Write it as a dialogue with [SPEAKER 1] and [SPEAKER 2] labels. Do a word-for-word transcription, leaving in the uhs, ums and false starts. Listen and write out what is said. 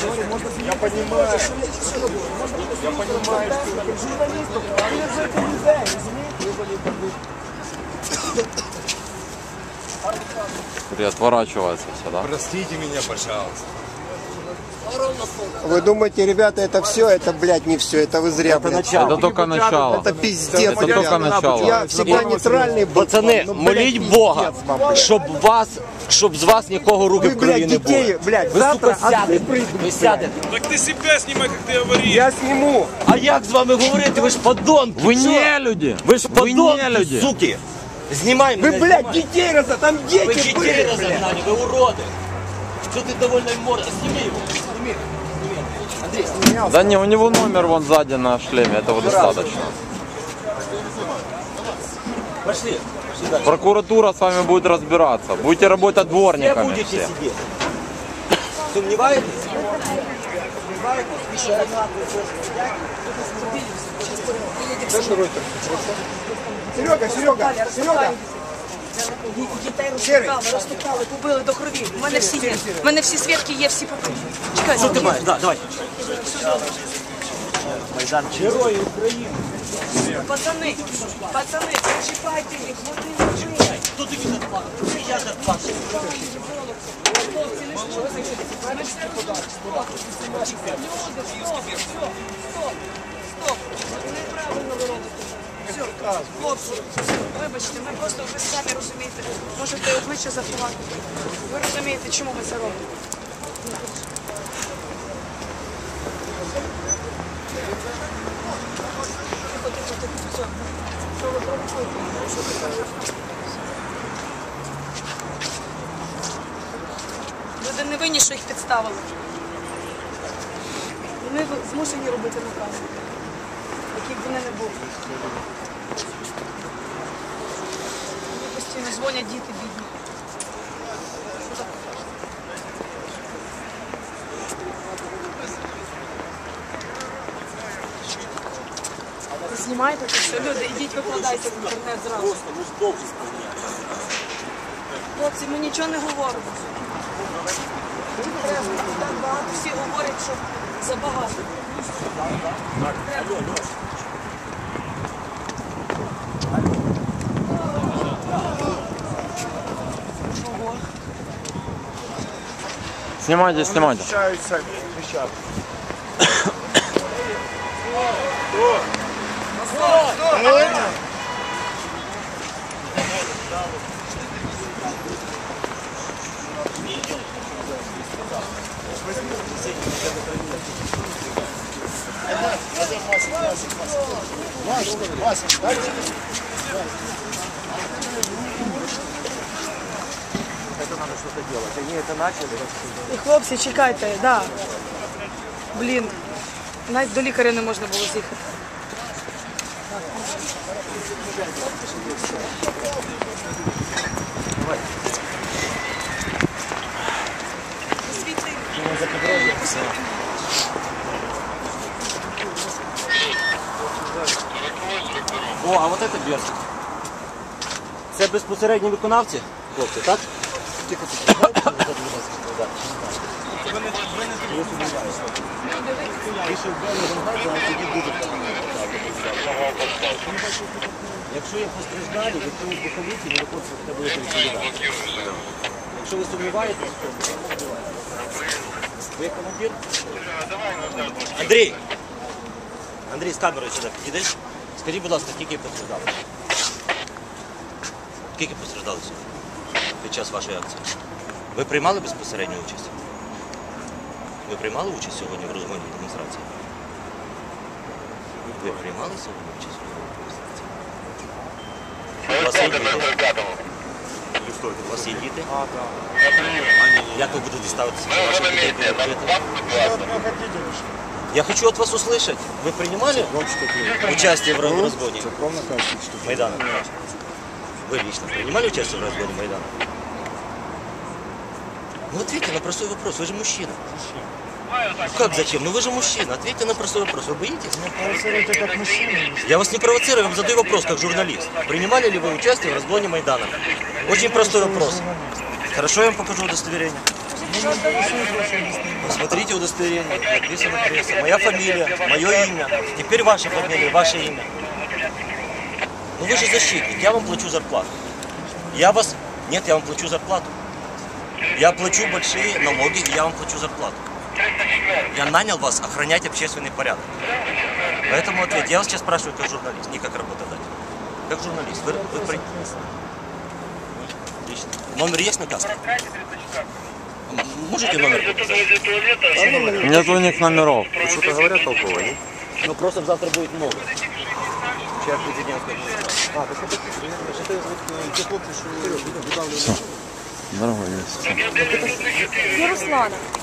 [SPEAKER 1] Я понимаю. Я понимаю,
[SPEAKER 2] И отворачивается все, да?
[SPEAKER 1] простите меня, пожалуйста.
[SPEAKER 3] Вы думаете, ребята, это все? Это, блядь, не все. Это вы зря, блядь.
[SPEAKER 2] Это только начало.
[SPEAKER 3] Это пиздец,
[SPEAKER 2] Это
[SPEAKER 3] блядь.
[SPEAKER 2] только начало.
[SPEAKER 3] Я всегда нейтральный был.
[SPEAKER 4] Пацани,
[SPEAKER 3] Ну, блядь,
[SPEAKER 4] моліть
[SPEAKER 3] пиздец
[SPEAKER 4] Бога,
[SPEAKER 3] вам, блядь.
[SPEAKER 4] щоб вас, щоб з вас нікого руки
[SPEAKER 3] Вы,
[SPEAKER 4] в крові
[SPEAKER 3] блядь,
[SPEAKER 4] не
[SPEAKER 3] детей,
[SPEAKER 4] було.
[SPEAKER 3] блядь,
[SPEAKER 4] Ви,
[SPEAKER 3] завтра
[SPEAKER 4] сука, сядете,
[SPEAKER 3] отцы
[SPEAKER 4] ви сядете.
[SPEAKER 5] Так ты себя снимай, как ты говоришь.
[SPEAKER 3] Я сниму.
[SPEAKER 4] А як з вами говорити? Ви ж подонки.
[SPEAKER 2] Вы
[SPEAKER 4] Що?
[SPEAKER 2] не люди.
[SPEAKER 4] Ви ж
[SPEAKER 2] Вы не
[SPEAKER 4] подонки,
[SPEAKER 2] люди.
[SPEAKER 4] суки. Знімай
[SPEAKER 3] Вы,
[SPEAKER 4] мене,
[SPEAKER 3] блядь,
[SPEAKER 4] знімай.
[SPEAKER 3] детей раза, там
[SPEAKER 4] Ви
[SPEAKER 3] дети
[SPEAKER 4] дітей
[SPEAKER 3] были, блядь.
[SPEAKER 4] розогнали, ви уроди. Що ти довольно морда? Сніми його. Сніми. Андрій, сніми.
[SPEAKER 2] Да не, у него номер вон сзади на шлеме, этого достаточно.
[SPEAKER 4] Пошли. Пошли дальше.
[SPEAKER 2] Прокуратура с вами будет разбираться. Будете работать
[SPEAKER 4] Все
[SPEAKER 2] дворниками
[SPEAKER 4] будете
[SPEAKER 2] все.
[SPEAKER 4] сидеть. Сумніваєтесь? Сумніваєтесь? Після гранати
[SPEAKER 3] Серега, Серега, Серега.
[SPEAKER 6] Дітей розтукали, розтукали, побили до крові. У мене всі є. У мене всі свідки є, всі покажуть. Чекай,
[SPEAKER 4] Що ти маєш? Да, давай. Майдан. Герої України.
[SPEAKER 6] Пацани, пацани, причіпайте їх, вони не
[SPEAKER 4] Хто тобі так плакав? Я так плачу.
[SPEAKER 6] хлопці, не слухайте. Ми все розуміємо. Люди, стоп, стоп, стоп, стоп. Неправильно ви робите. Все, хлопці, вибачте, ми просто, ви самі розумієте, можете обличчя заховати. Ви розумієте, чому ми це робимо. Тихо, тихо, тихо, все. Що ви провокуєте? Що ти кажеш? Люди не винні, що їх підставили. Вони змушені робити накази, які б вони не були. Мені постійно дзвонять діти бідні. Що так? Ви знімаєте це все? Люди, ідіть викладайте в інтернет зразу. Хлопці, ми нічого не говоримо. Треба, так багато всі говорять, що забагато. Треба. Ого.
[SPEAKER 2] Снимайте, снимайте.
[SPEAKER 1] Общаются, кричат.
[SPEAKER 6] І хлопці, чекайте, да. Блін, навіть до лікаря не можна було з'їхати. Світи.
[SPEAKER 4] О, а вот это Берсик. Це безпосередні виконавці, хлопці, так? Тихо, тихо. Якщо є постраждалі, ви повинні поліції, не виходить, що буде відповідати. Якщо ви сумніваєтесь, то ви як командир? Андрій! Андрій, з камерою сюди підійдеш. Скажіть, будь ласка, скільки постраждали? Скільки постраждали сьогодні під час вашої акції? Ви приймали безпосередню участь? Ви приймали участь сьогодні в розгоні демонстрації? Ви приймали сьогодні участь в розгоні демонстрації? У вас є діти? У вас є діти? Як ви будете ставитися до ваших дітей? Я хочу от вас услышать. Вы принимали участие в разгоне Майдана? Вы лично принимали участие в разгоне Майдана? Ну ответьте на простой вопрос, вы же мужчина. Ну как зачем? Ну вы же мужчина, ответьте на простой вопрос. Вы боитесь? Я вас не провоцирую, я вам задаю вопрос как журналист. Принимали ли вы участие в разгоне Майдана? Очень простой вопрос. Хорошо, я вам покажу удостоверение. Посмотрите Предъявите удостоверение, написано пресса. Моя фамилия, мое имя. Теперь ваша фамилия, ваше имя. Ну вы же защитник, я вам плачу зарплату. Я вас... Нет, я вам плачу зарплату. Я плачу большие налоги, и я вам плачу зарплату. Я нанял вас охранять общественный порядок. Поэтому ответ. Я вас сейчас спрашиваю как журналист, не как работодатель. Как журналист. Вы, вы... при- Отлично. Номер есть на каске? М- Можете номер показать?
[SPEAKER 2] Нету у них номеров.
[SPEAKER 1] Что-то говорят толково, нет?
[SPEAKER 4] Ну просто завтра будет много. Вчера президентская администрация. А, так это
[SPEAKER 2] Дорогой есть.
[SPEAKER 6] До Руслана.